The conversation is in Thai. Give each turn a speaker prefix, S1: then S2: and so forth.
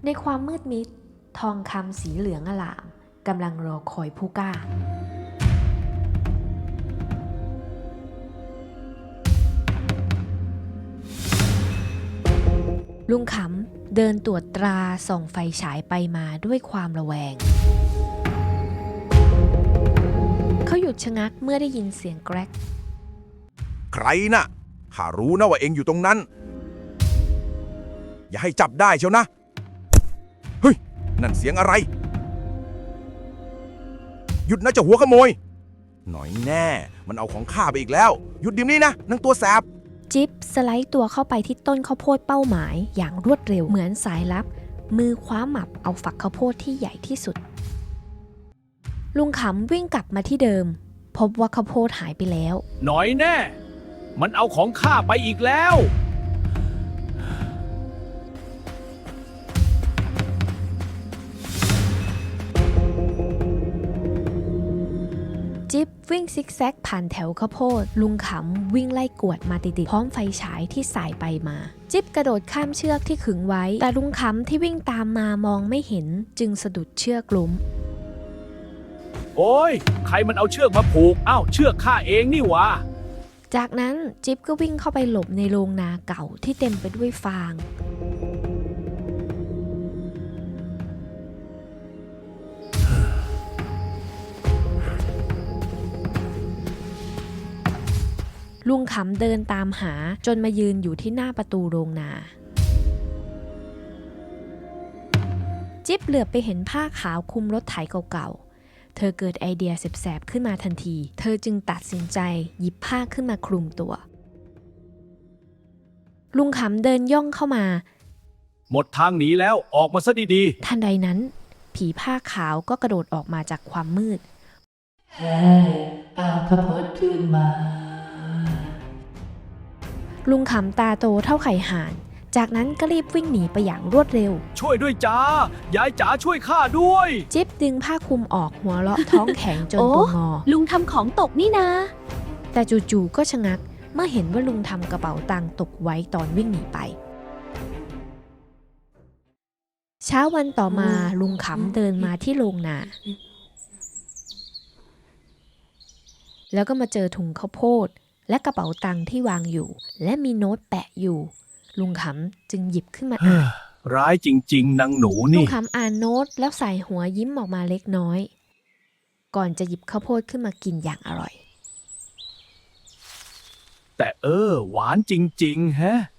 S1: ในความมืดมิดทองคำสีเหลืองอลามกำลังรอคอยผู้กล้าลุงขำเดินตรวจตราส่องไฟฉายไปมาด้วยความระแวงเขาหยุดชะงักเมื่อได้ยินเสียงแกรก
S2: ใครน่ะข้ารู้นะว่าเองอยู่ตรงนั้นอย่าให้จับได้เชียวนะเฮ้ยนั่นเสียงอะไรหยุดนะเจ้าหัวขโมยหน่อยแน่มันเอาของข้าไปอีกแล้วหยุดเดี๋ยวนี้นะนางตัวแสบ
S1: จิ๊บสไลด์ตัวเข้าไปที่ต้นข้าวโพดเป้าหมายอย่างรวดเร็วเหมือนสายลับมือคว้าหมับเอาฝักข้าวโพดที่ใหญ่ที่สุดลุงขำวิ่งกลับมาที่เดิมพบว่าข้าวโพดหายไปแล้ว
S3: หน่อยแน่มันเอาของข้าไปอีกแล้ว
S1: จิ๊บวิ่งซิกแซกผ่านแถวข้าวโพดลุงขำวิ่งไล่กวดมาติดๆพร้อมไฟฉายที่สายไปมาจิ๊บกระโดดข้ามเชือกที่ขึงไว้แต่ลุงขำที่วิ่งตามมามองไม่เห็นจึงสะดุดเชือกล้ม
S3: โอ้ยใครมันเอาเชือกมาผูกอ้าวเชือกข้าเองนี่วะ
S1: จากนั้นจิ๊บก็วิ่งเข้าไปหลบในโรงนาเก่าที่เต็มไปด้วยฟางลุงขำเดินตามหาจนมายืนอยู่ที่หน้าประตูโรงนาจิ๊บเหลือบไปเห็นผ้าขาวคลุมรถไถเก่าๆเธอเกิดไอเดียแสบๆขึ้นมาทันทีเธอจึงตัดสินใจหยิบผ้าขึ้นมาคลุมตัวลุงขำเดินย่องเข้ามา
S3: หมดทางหนีแล้วออกมาซะดี
S1: ๆทันใดนั้นผีผ้าขาวก็กระโดดออกมาจากความมืด
S4: เฮ้ยเอาข้าวโพดขึ้นมา
S1: ลุงขำตาโตเท่าไข่ห่านจากนั้นก็รีบวิ่งหนีไปอย่างรวดเร็ว
S3: ช่วยด้วยจ้ายายจ๋าช่วยข้าด้วย
S1: จิ๊บดึงผ้าคลุมออกหัวเราะท้องแข็งจนตัวงอ
S5: ลุงทำของตกนี่นะ
S1: แต่จู่ๆก็ชะงักเมื่อเห็นว่าลุงทำกระเป๋าตังค์ตกไว้ตอนวิ่งหนีไปเช้าวันต่อมาลุงขำเดินมาที่โรงนาแล้วก็มาเจอถุงข้าวโพดและกระเป๋าตังค์ที่วางอยู่และมีโน้ตแปะอยู่ลุงขำจึงหยิบขึ้นมาอ่าน
S3: ร้ายจริงๆนางหนู
S1: ลุ
S3: นี่
S1: งขำอ่านโน้ตแล้วใส่หัวยิ้มออกมาเล็กน้อยก่อนจะหยิบข้าวโพดขึ้นมากินอย่างอร่อย
S3: แต่หวานจริงๆแฮะ